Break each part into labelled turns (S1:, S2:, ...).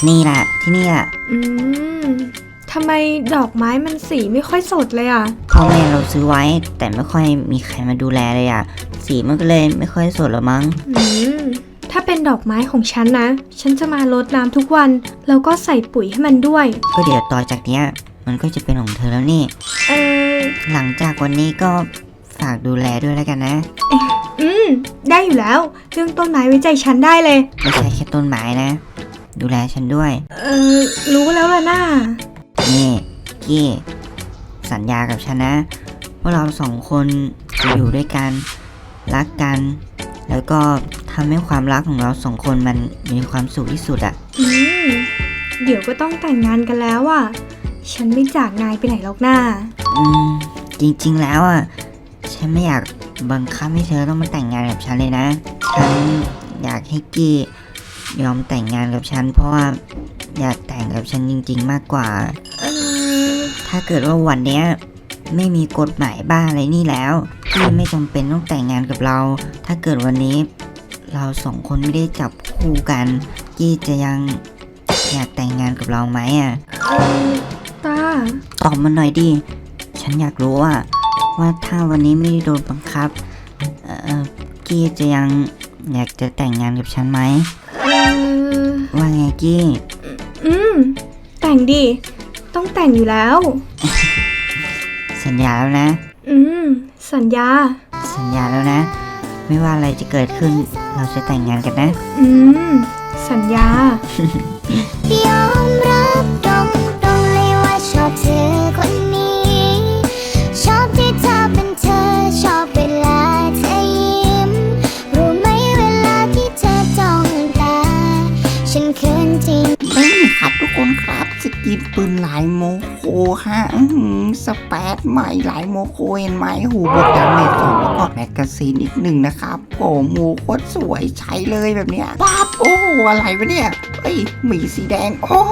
S1: นี่แหละที่นี่แหละ
S2: อืมทำไมดอกไม้มันสีไม่ค่อยสดเลยอ่ะ
S1: พ่อแม่เราซื้อไว้แต่ไม่ค่อยมีใครมาดูแลเลยอ่ะสีมันก็เลยไม่ค่อยสดหรอมั้ง
S2: ถ้าเป็นดอกไม้ของฉันนะฉันจะมารดน้ำทุกวันแล้วก็ใส่ปุ๋ยให้มันด้วย
S1: ก็เดี๋ยวต่อจากเนี้ยมันก็จะเป็นของเธอแล้วนี่หลังจากวันนี้ก็ฝากดูแลด้วยแล้วกันนะ
S2: ได้อยู่แล้วเรื่องต้นไม้ไว้ใจฉันได้เลย
S1: ไม่ใช่แค่ต้นไม้นะดูแลฉันด้วย
S2: รู้แล้วล่ะน่า
S1: นี่กี้สัญญากับฉันนะว่าเราสองคนจะอยู่ด้วยกันรักกันแล้วก็ทำให้ความรักของเราสองคนมันมีความสุขที่สุดอ่ะ
S2: เดี๋ยวก็ต้องแต่งงานกันแล้วอ่ะฉันไม่จากนายไปไหนหรอกน้า
S1: จริงๆแล้วอ่ะฉันไม่อยากบังคับให้เธอต้องมาแต่งงานกับฉันเลยนะฉันอยากให้กี้ยอมแต่งงานกับฉันเพราะว่าอยากแต่งกับฉันจริงๆมากกว่าถ้าเกิดว่าวันเนี้ยไม่มีกฎหมายบ้าอะไรนี่แล้วกี้ไม่จำเป็นต้องแต่งงานกับเราถ้าเกิดวันนี้เราสองคนไม่ได้จับคู่กันกี้จะยังอยากแต่งงานกับเราไหมอ่ะ
S2: ตา
S1: ตอบมาหน่อยดิฉันอยากรู้ว่าถ้าวันนี้ไม่ได้โดนบังคับกี้จะยังอยากจะแต่งงานกับฉันไหมว่าไงกี้
S2: แต่งดิต้องแต่งอยู่แล้ว
S1: สัญญาแล้วนะ
S2: สัญญา
S1: แล้วนะไม่ว่าอะไรจะเกิดขึ้นเราจะแต่งงานกันนะ
S2: สัญญาย
S3: อมรับตรงเลยว่าชอบเธอคนนี้ชอบที่เธอเป็นเธอชอบเวลาเธอยิ้มรู้ไหมเวลาที่เธอจ้องตาฉันเขินจริง
S4: นี่ครับทุกคนครับสกินปืนหลายโมโคฮะสเปซใหม่หลายโมโคเห็นไหมหูบทดาเมจ2แล้วก็แมกกาซีนอีก1นะครับโอ้โหโคตรสวยใช้เลยแบบเนี้ยปั๊บโอ้อะไรวะเนี่ยเฮ้ยหมีสีแดงโอ้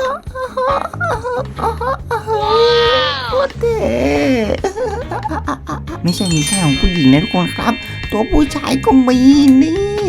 S4: โคตรเท่ไม่ใช่มีแค่ของผู้หญิงนะทุกคนครับตัวผู้ชายก็มีนี่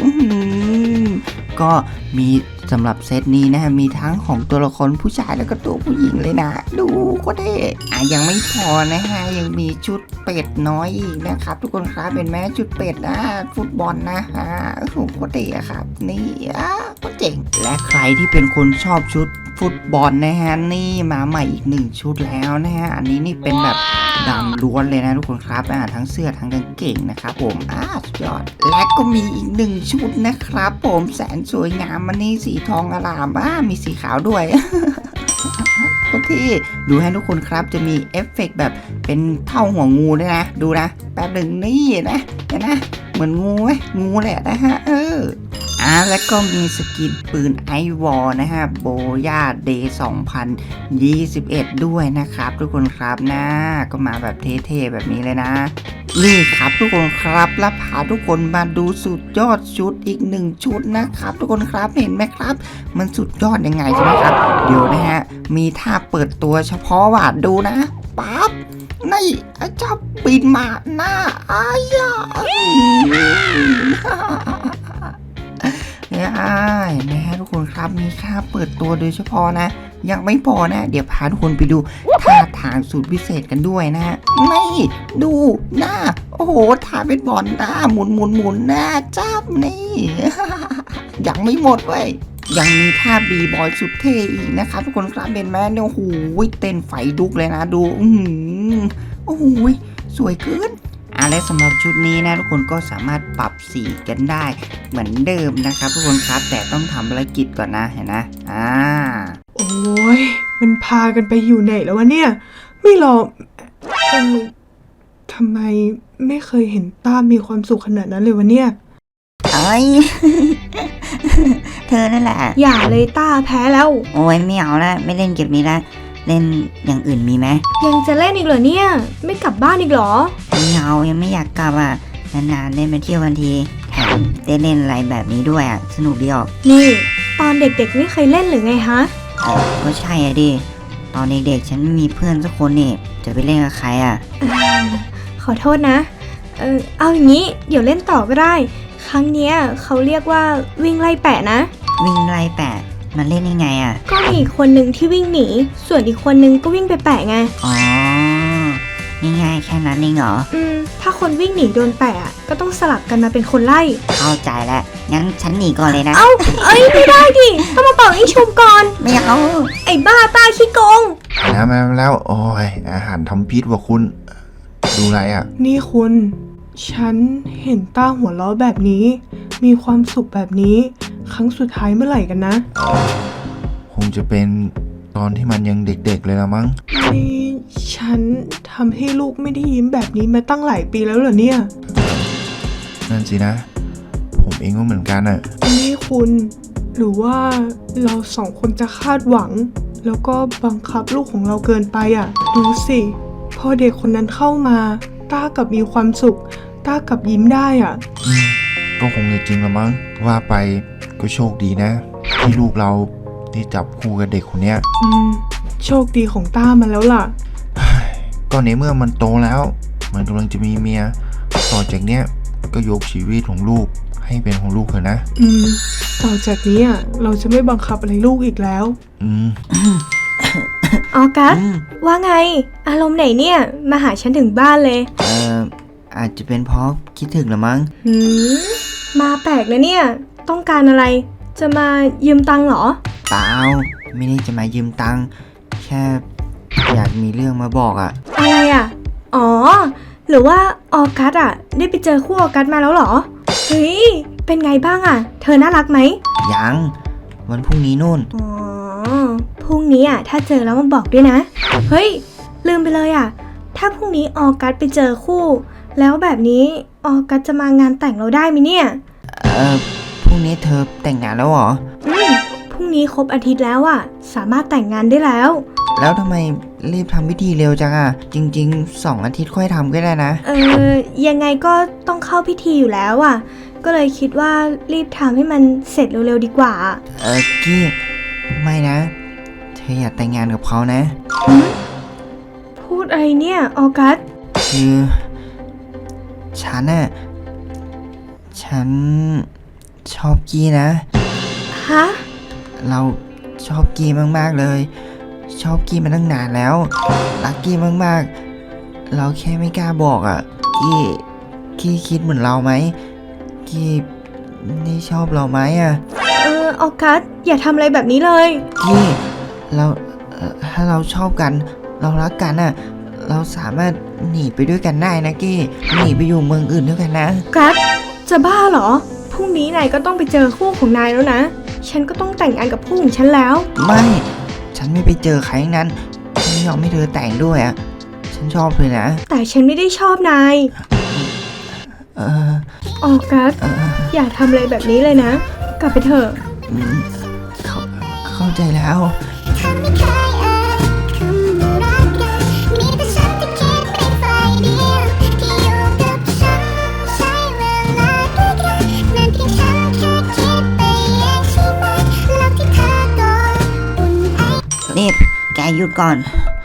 S4: ก็มีสำหรับเซตนี้นะฮะมีทั้งของตัวละครผู้ชายแล้วก็ตัวผู้หญิงเลยนะดูก็เท่ยังไม่พอนะฮะยังมีชุดเป็ดน้อยอีกนะครับทุกคนครับเป็นแม้ชุดเป็ดนะฟุตบอลนะฮะโอ้โหก็เท่ครับนี่ก็เจ๋งและใครที่เป็นคนชอบชุดฟุตบอลนะฮะนี่มาใหม่อีก1ชุดแล้วนะฮะอันนี้นี่เป็นแบบดำล้วนเลยนะทุกคนครับทั้งเสื้อทั้งกางเกงนะครับผมสุดยอดและก็มีอีก1ชุดนะครับผมแสนสวยงามมันนี่สีทองอลามมีสีขาวด้วยก็ที่ดูให้ทุกคนครับจะมีเอฟเฟกต์แบบเป็นเท่าหัวงูด้วยนะดูนะแป๊บหนึ่งนี่นะเห็นนะเหมือนงูไหมงูแหละนะฮะแล้วก็มีสกินปืนไอวอลนะฮะโบย่าเดย์2021ด้วยนะครับทุกคนครับนะก็มาแบบเท่ๆแบบนี้เลยนะนี่ครับทุกคนครับแล้วพาทุกคนมาดูสุดยอดชุดอีก1ชุดนะครับทุกคนครับเห็นไหมครับมันสุดยอดยังไงใช่ไหมครับเดี๋ยวนะฮะมีท่าเปิดตัวเฉพาะว่าดูนะปั๊บนี่เจ้าบินมาหน้านะฮะทุกคนครับมีค่าเปิดตัวโดยเฉพาะนะยังไม่พอนะเดี๋ยวพาทุกคนไปดูท่าทางสูตรพิเศษกันด้วยนะนี่ดูหน้าโอ้โหท่าเป็นบอลหน้าหมุนหน้าจับนี่ยังไม่หมดเว้ยยังมีท่าบีบอยสุดเท่อีกนะครับทุกคนครับเป็นแม่เนี่ยโอ้โหเต้นไฟลุกเลยนะดูโอ้โหสวยเกินและสำหรับชุดนี้นะทุกคนก็สามารถปรับสีกันได้เหมือนเดิมนะครับทุกคนครับแต่ต้องทำภารกิจก่อนนะเห็นนะ
S2: โอ้ยมันพากันไปอยู่ไหนแล้ววะเนี่ยไม่รอทำไมไม่เคยเห็นต้ามีความสุขขนาดนั้นเลยวะเนี่ย
S1: เธอนั่นแหละ
S2: อย่าเลยต้าแพ้แล้ว
S1: โอ้ยไม่เอาละไม่เล่นเกมนี้ละเล่นอย่างอื่นมีไหม
S2: ยังจะเล่นอีกเหรอเนี่ยไม่กลับบ้านอีกเหรอ
S1: ไม่เอายังไม่อยากกลับนานๆเล่นไปเที่ยววันทีแถมได้เล่นอะไรแบบนี้ด้วยสนุกดีออก
S2: นี่ตอนเด็กๆไม่เคยเล่นหรือไงฮะ
S1: ก็ใช่ดิตอนเด็กๆฉันไม่มีเพื่อนสักคนนี่จะไปเล่นกับใคร
S2: ขอโทษนะเอาอย่างนี้เดี๋ยวเล่นต่อก็ได้ครั้งเนี้ยเขาเรียกว่าวิ่งไล่แปะนะ
S1: วิ่งไล่แปะมันเล่นยังไงอ่ะ
S2: ก็มีอีกคนหนึ่งที่วิ่งหนี ส่วนอีกคนนึงก็วิ่งไปแปะไง
S1: อ๋อง่ายๆแค่นั้นเองเหรอ
S2: ถ้าคนวิ่งหนีโดนแปะอะก็ต้องสลับกันมาเป็นคนไล่
S1: เข้าใจแล้ว งั้นฉันหนีก่อนเลยนะ
S2: เอ้า เอ้ยไม่ได้ดิ ต้องมาเป่าให้ชุมก่อน
S1: ไม่เอา
S2: ไอ้บ้าตาขี้โกง
S5: แล้วโอ้ยอาหารทำพิษว่ะคุณ ดูอะไรอ่ะ
S6: นี่คุณ ฉันเห็นต้าหัวเราะแบบนี้ มีความสุขแบบนี้ ครั้งสุดท้ายเมื่อไหร่กันนะ
S5: คงจะเป็นตอนที่มันยังเด็กๆเลยละมั้ง
S6: นี่ฉันทำให้ลูกไม่ได้ยิ้มแบบนี้มาตั้งหลายปีแล้วเหรอเนี่ย
S5: นั่นสินะ ผมเองก็เหมือนกันอ่ะ
S6: นี่คุณ หรือว่าเราสองคนจะคาดหวัง แล้วก็บังคับลูกของเราเกินไปอ่ะ ดูสิพอเด็กคนนั้นเข้ามา ต้ากลับมีความสุข ต้ากลับยิ้มได้อ่ะ
S5: ก็คงจะจริงละมั้ง ว่าไปก็โชคดีนะ ที่ลูกเราได้จับคู่กับเด็กคนเนี้ย
S6: โชคดีของต้ามาแล้วล่ะ
S5: ก็ในเมื่อมันโตแล้ว มันกำลังจะมีเมีย ต่อจากเนี้ยก็ยกชีวิตของลูกให้เป็นของลูกเถอะนะ
S6: ต่อจากนี้อ่ะเราจะไม่บังคับอะไรลูกอีกแล้ว
S5: อืม
S2: ออกัส ว่าไง อารมณ์ไหนเนี่ย มาหาฉันถึงบ้านเลย
S1: อาจจะเป็นเพราะคิดถึงละมั้ง
S2: มาแปลกนะเนี่ย ต้องการอะไร จะมายืมตังค์เหรอ
S1: เปล่า ไม่ได้จะมายืมตังค์ แค่อยากมีเรื่องมาบอกอ่ะ
S2: อะไรอ่ะ อ๋อ หรือว่าออกัสอ่ะ ได้ไปเจอคู่ออกัสมาแล้วเหรอ เฮ้ย เป็นไงบ้างอ่ะ เธอน่ารักไหม
S1: ยัง วันพรุ่งนี้นู่น
S2: อ๋อ พรุ่งนี้อ่ะ ถ้าเจอแล้วมาบอกด้วยนะ เฮ้ย ลืมไปเลยอ่ะ ถ้าพรุ่งนี้ออกัสไปเจอคู่ แล้วแบบนี้ออกัสจะมางานแต่งเราได้ไหมเนี่ย
S1: พรุ่งนี้เธอแต่งงานแล้วเหรอ
S2: พรุ่งนี้ครบอาทิตย์แล้วอ่ะ สามารถแต่งงานได้แล้ว
S1: แล้วทำไมรีบทำพิธีเร็วจังอ่ะ จริงๆ2 อาทิตย์ค่อยทำก็ได้นะ
S2: ยังไงก็ต้องเข้าพิธีอยู่แล้วอ่ะ ก็เลยคิดว่ารีบทำให้มันเสร็จเร็วๆดีกว่า
S1: กี้ ไม่นะ เธออยากแต่งงานกับเขานะ
S2: พูดอะไรเนี่ยออกัส
S1: คือฉันน่ะ ฉันชอบกี้นะ
S2: ฮะ
S1: เราชอบกี้มากๆเลย ชอบกี้มาตั้งนานแล้ว รักกี้มากๆ เราแค่ไม่กล้าบอกอ่ะ กี้คิดเหมือนเราไหม กี้นี่ชอบเราไหมอ่ะ
S2: ออกัสอย่าทำอะไรแบบนี้เลย
S1: กี้เราถ้าเราชอบกัน เรารักกันอ่ะ เราสามารถหนีไปด้วยกันได้นะกี้หนีไปอยู่เมืองอื่นด้วยกันนะ
S2: กัสจะบ้าเหรอ พรุ่งนี้นายก็ต้องไปเจอคู่ของนายแล้วนะ ฉันก็ต้องแต่งงานกับคู่ของฉันแล้ว
S1: ไม่ ฉันไม่ไปเจอใครทั้งนั้นฉันไม่ยอมให้เธอแต่งด้วยอ่ะ ฉันชอบเธอนะ
S2: แต่ฉันไม่ได้ชอบนาย
S1: เออ
S2: ออกัสอย่าทำอะไรแบบนี้เลยนะ กลับไปเถอะ
S1: เข้าใจแล้ว
S3: คำไม่เคยเอ่ยคำว่ารักกันมีแต่ฉันที่คิดไปฝ่ายเดียวที่อยู่กับฉันใช้เวลาด้วยกันนั่นเพียงฉันแค่คิดไปเองใช่ไหมแล้วที่เธอก็อุ่นไอ
S1: นี่แกหยุดก่อน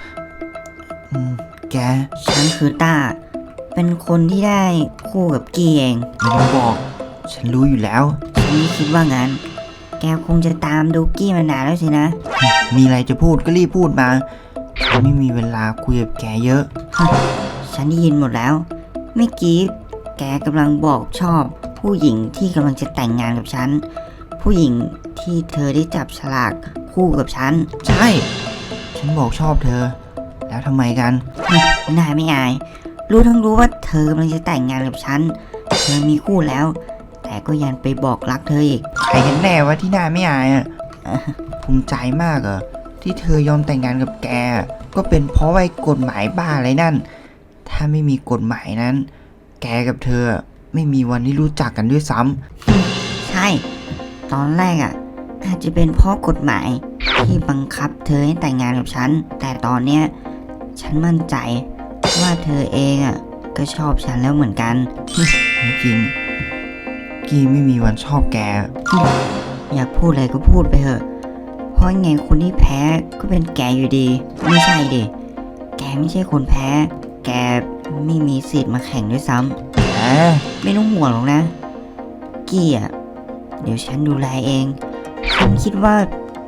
S1: แก ฉันคือต้า เป็นคนที่ได้คู่กับกี้เอง
S4: ไม่ต้องบอก ฉันรู้อยู่แล้ว
S1: ฉันไม่คิดว่างั้น แกคงจะตามดูกี้มานานแล้วสินะ
S4: มีอะไรจะพูดก็รีบพูดมา ฉันไม่มีเวลาคุยกับแกเยอะ
S1: ฉันได้ยินหมดแล้ว เมื่อกี้แกกำลังบอกชอบ ผู้หญิงที่กำลังจะแต่งงานกับฉัน ผู้หญิงที่เธอได้จับฉลากคู่กับฉัน
S4: ใช่ ฉันบอกชอบเธอ แล้วทำไมกัน
S1: นายไม่อาย รู้ทั้งรู้ว่าเธอกำลังจะแต่งงานกับฉัน เธอมีคู่แล้ว แต่ก็ยังไปบอกรักเธออีก
S4: ใครกันแน่วะที่หน้าไม่อายอ่ะ ภูมิใจมากเหรอที่เธอยอมแต่งงานกับแก ก็เป็นเพราะไอ้กฎหมายบ้าอะไรนั่น ถ้าไม่มีกฎหมายนั้น แกกับเธอไม่มีวันที่รู้จักกันด้วยซ้ำ
S1: ใช่ ตอนแรกอาจจะเป็นเพราะกฎหมายที่บังคับเธอให้แต่งงานกับฉัน แต่ตอนเนี้ยฉันมั่นใจว่าเธอเองก็ชอบฉันแล้วเหมือนกัน
S4: ไม่จริง กี้ไม่มีวันชอบแก
S1: อยากพูดอะไรก็พูดไปเถอะ เพราะไงคนที่แพ้ก็เป็นแกอยู่ดี ไม่ใช่ดิ แกไม่ใช่คนแพ้ แกไม่มีสิทธิ์มาแข่งด้วยซ้ำไม่ต้องห่วงหรอกนะ กี้เดี๋ยวฉันดูแลเอง ฉันคิดว่า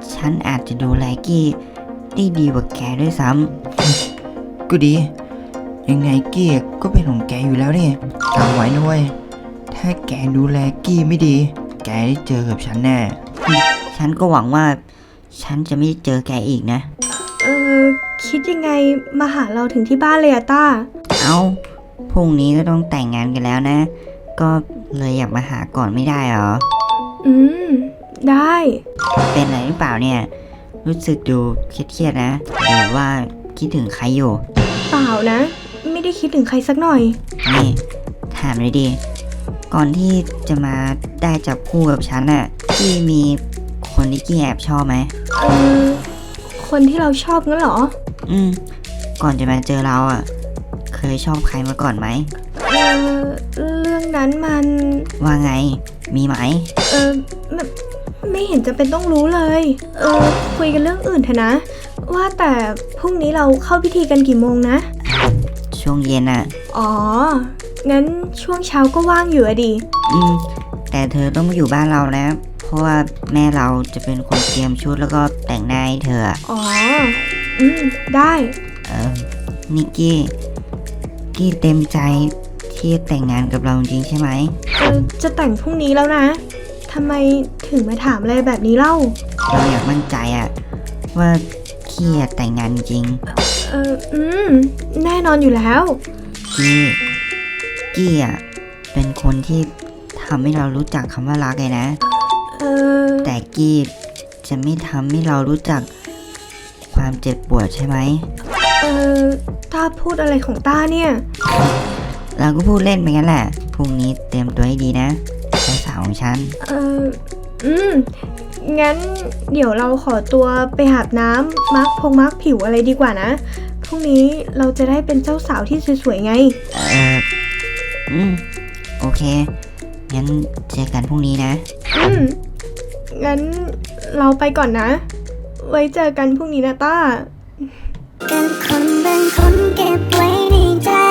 S1: ฉันอาจจะดูแลกี้ได้ดีกว่าแกด้วยซ้
S4: ก็ดี ยังไงกี้ก็เป็นของแกอยู่แล้วนี่จำไว้นะเว้ยถ้าแกดูแลกี้ไม่ดี แกได้เจอกับฉันแน่
S1: ำฉันก็หวังว่าฉันจะไม่เจอแกอีกนะ
S2: เออ คิดยังไงมาหาเราถึงที่บ้านเลยอะต้า
S1: เอาพรุ่งนี้ก็ต้องแต่งงานกันแล้วนะ ก็เลยอยากมาหาก่อนไม่ได้เหรอ
S2: อืม ได้
S1: เป็นอะไรหรือเปล่าเนี่ย รู้สึกดูเครียดๆนะ หรือว่าคิดถึงใครอยู่
S2: เปล่านะ ไม่ได้คิดถึงใครสักหน่อย
S1: นี่ถามเลยดิ ก่อนที่จะมาได้จับคู่กับฉันน่ะกี้มีคนที่กี้แอบชอบไหม
S2: เออ คนที่เราชอบงั้นเหรอ
S1: อืม ก่อนจะมาเจอเราอ่ะ เคยชอบใครมาก่อนไหม
S2: เออ เรื่องนั้นมัน
S1: ว่าไง มีไหม
S2: เออไม่เห็นจะเป็นต้องรู้เลย เออ คุยกันเรื่องอื่นเถอะนะ ว่าแต่พรุ่งนี้เราเข้าพิธีกันกี่โมงนะ
S1: ช่วงเย็นอ่ะ
S2: อ๋อ งั้นช่วงเช้าก็ว่างอยู่อะดิ
S1: อืม แต่เธอต้องมาอยู่บ้านเรานะ เพราะว่าแม่เราจะเป็นคนเตรียมชุดแล้วก็แต่งหน้าให้เธออะ
S2: อ๋อ อืม ได้
S1: นิกกี้เต็มใจที่จะแต่งงานกับเราจริงๆใช่ไหม
S2: จะแต่งพรุ่งนี้แล้วนะ ทำไมถึงมาถามอะไรแบบนี้เล่า
S1: เราอยากมั่นใจอะว่ากี้อะแต่งงานจริง
S2: แน่นอนอยู่แล้ว
S1: กี้อะเป็นคนที่ทำให้เรารู้จักคำว่ารักเลยนะ
S2: เออ
S1: แต่กี้จะไม่ทำให้เรารู้จักความเจ็บปวดใช่ไหม
S2: เออต้าพูดอะไรของต้าเนี่ย
S1: เราก็พูดเล่นไปงั้นแหละ พรุ่งนี้เตรียมตัวให้ดีนะเจ้าสาวของฉัน
S2: งั้นเดี๋ยวเราขอตัวไปอาบน้ำมาร์คผิวอะไรดีกว่านะ พรุ่งนี้เราจะได้เป็นเจ้าสาวที่สวยๆไง
S1: โอเค งั้นเจอกันพรุ่งนี้นะ
S2: งั้นเราไปก่อนนะ ไว้เจอกันพรุ่งนี้นะต้า
S3: กันคนบางคนเก็บไว้ในใจ